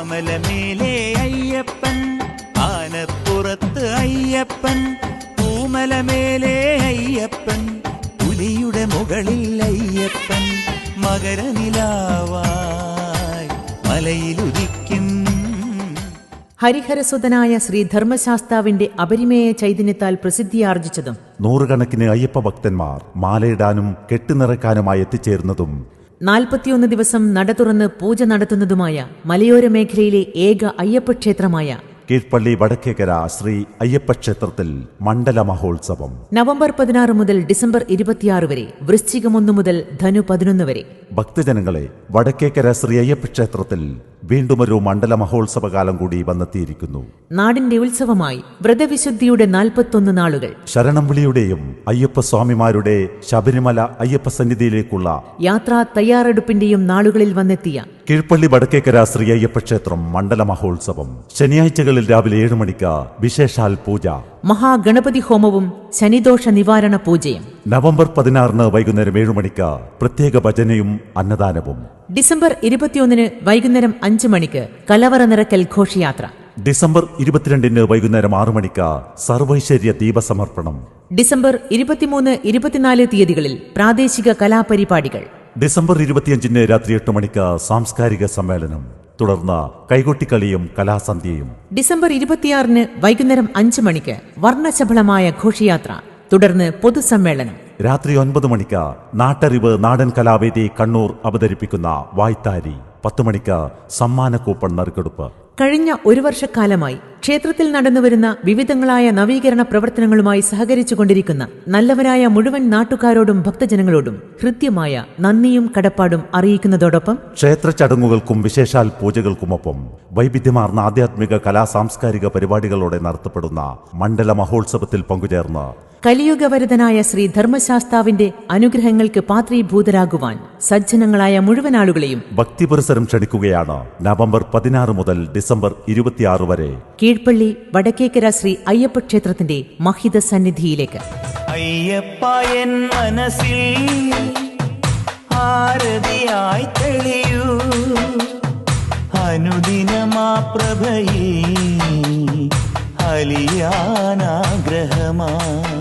ആമലമേലെ അയ്യപ്പൻ, ആനപ്പുറത്ത് അയ്യപ്പൻ, പൂമലമേലെ അയ്യപ്പൻ, പുലിയുടെ മുകളിൽ അയ്യപ്പൻ, മകരനിലാവായി മലയിലുദിക്കും. ഹരിഹരസുതനായ ശ്രീ ധർമ്മശാസ്താവിന്റെ അപരിമേയ ചൈതന്യത്താൽ പ്രസിദ്ധിയാർജിച്ചതും നൂറുകണക്കിന് അയ്യപ്പ ഭക്തന്മാർ മാലയിടാനും കെട്ടുനിറക്കാനുമായി എത്തിച്ചേർന്നതും 41 ദിവസം നട തുറന്ന് പൂജ നടത്തുന്നതുമായ മലയോര മേഖലയിലെ ഏക അയ്യപ്പക്ഷേത്രമായ കീഴ്പള്ളി വടക്കേക്കര ശ്രീ അയ്യപ്പക്ഷേത്രത്തിൽ മണ്ഡല മഹോത്സവം നവംബർ 16 മുതൽ ഡിസംബർ 26 വരെ, വൃശ്ചികം 1 മുതൽ ധനു 11 വരെ. ഭക്തജനങ്ങളെ, വടക്കേക്കര ശ്രീ അയ്യപ്പക്ഷേത്രത്തിൽ വീണ്ടുമൊരു മണ്ഡല മഹോത്സവകാലം കൂടി വന്നെത്തിയിരിക്കുന്നു. നാടിന്റെ ഉത്സവമായി വ്രതവിശുദ്ധിയുടെ 41 നാളുകൾ, ശരണം വിളിയുടെയും അയ്യപ്പസ്വാമിമാരുടെ ശബരിമല അയ്യപ്പ സന്നിധിയിലേക്കുള്ള യാത്രാ തയ്യാറെടുപ്പിന്റെയും നാളുകളിൽ വന്നെത്തിയ കീഴ്പള്ളി വടക്കേക്കര ശ്രീ അയ്യപ്പക്ഷേത്രം മണ്ഡല മഹോത്സവം. ശനിയാഴ്ചകളിൽ രാവിലെ 7 മണിക്ക് വിശേഷാൽ പൂജ, മഹാഗണപതി ഹോമവും ശനിദോഷ നിവാരണ പൂജയും. നവംബർ 16 വൈകുന്നേരം 7 മണിക്ക് പ്രത്യേക ഭജനയും അന്നദാനവും. ഡിസംബർ 21 വൈകുന്നേരം 5 മണിക്ക് കലവറ നിറക്കൽ ഘോഷയാത്ര. ഡിസംബർ 22 വൈകുന്നേരം 6 മണിക്ക് സർവൈശ്വര്യ ദീപസമർപ്പണം. ഡിസംബർ 23, 24 തീയതികളിൽ പ്രാദേശിക കലാപരിപാടികൾ. ഡിസംബർ 25 രാത്രി 8 മണിക്ക് സാംസ്കാരിക സമ്മേളനം, തുടർന്ന് കൈകൊട്ടിക്കളിയും കലാസന്ധ്യയും. ഡിസംബർ 26 വൈകുന്നേരം 5 മണിക്ക് വർണ്ണശബളമായ ഘോഷയാത്ര, തുടർന്ന് പൊതുസമ്മേളനം. രാത്രി 9 മണിക്ക് നാട്ടറിവ് നാടൻ കലാവേദി കണ്ണൂർ അവതരിപ്പിക്കുന്ന വായ്ത്താരി. 10 മണിക്ക് സമ്മാന കൂപ്പൺ നറുക്കെടുപ്പ്. കഴിഞ്ഞ 1 വർഷക്കാലമായി ക്ഷേത്രത്തിൽ നടന്നുവരുന്ന വിവിധങ്ങളായ നവീകരണ പ്രവർത്തനങ്ങളുമായി സഹകരിച്ചുകൊണ്ടിരിക്കുന്ന നല്ലവരായ മുഴുവൻ നാട്ടുകാരോടും ഭക്തജനങ്ങളോടും ഹൃദ്യമായ നന്ദിയും കടപ്പാടും അറിയിക്കുന്നതോടൊപ്പം ക്ഷേത്ര ചടങ്ങുകൾക്കും വിശേഷാൽ പൂജകൾക്കുമൊപ്പം വൈവിധ്യമാർന്ന ആധ്യാത്മിക കലാ സാംസ്കാരിക പരിപാടികളോടെ നടത്തപ്പെടുന്ന മണ്ഡല മഹോത്സവത്തിൽ പങ്കുചേർന്ന് കലിയുഗവരദനായ ശ്രീ ധർമ്മശാസ്താവിന്റെ അനുഗ്രഹങ്ങൾക്ക് പാത്രീഭൂതരാകുവാൻ സജ്ജനങ്ങളായ മുഴുവൻ ആളുകളെയും ഭക്തിപുരസരം ക്ഷണിക്കുകയാണ്. നവംബർ 16 മുതൽ ഡിസംബർ 26 വരെ കീഴ്പള്ളി വടക്കേക്കര ശ്രീ അയ്യപ്പക്ഷേത്രത്തിന്റെ മഹിത സന്നിധിയിലേക്ക്. അയ്യപ്പ എൻ മനസ്സിൽ ആരതിയായി തെളിയൂ, അനുദിനമാ പ്രഭയിൽ അലിയാനാഗ്രഹമാ.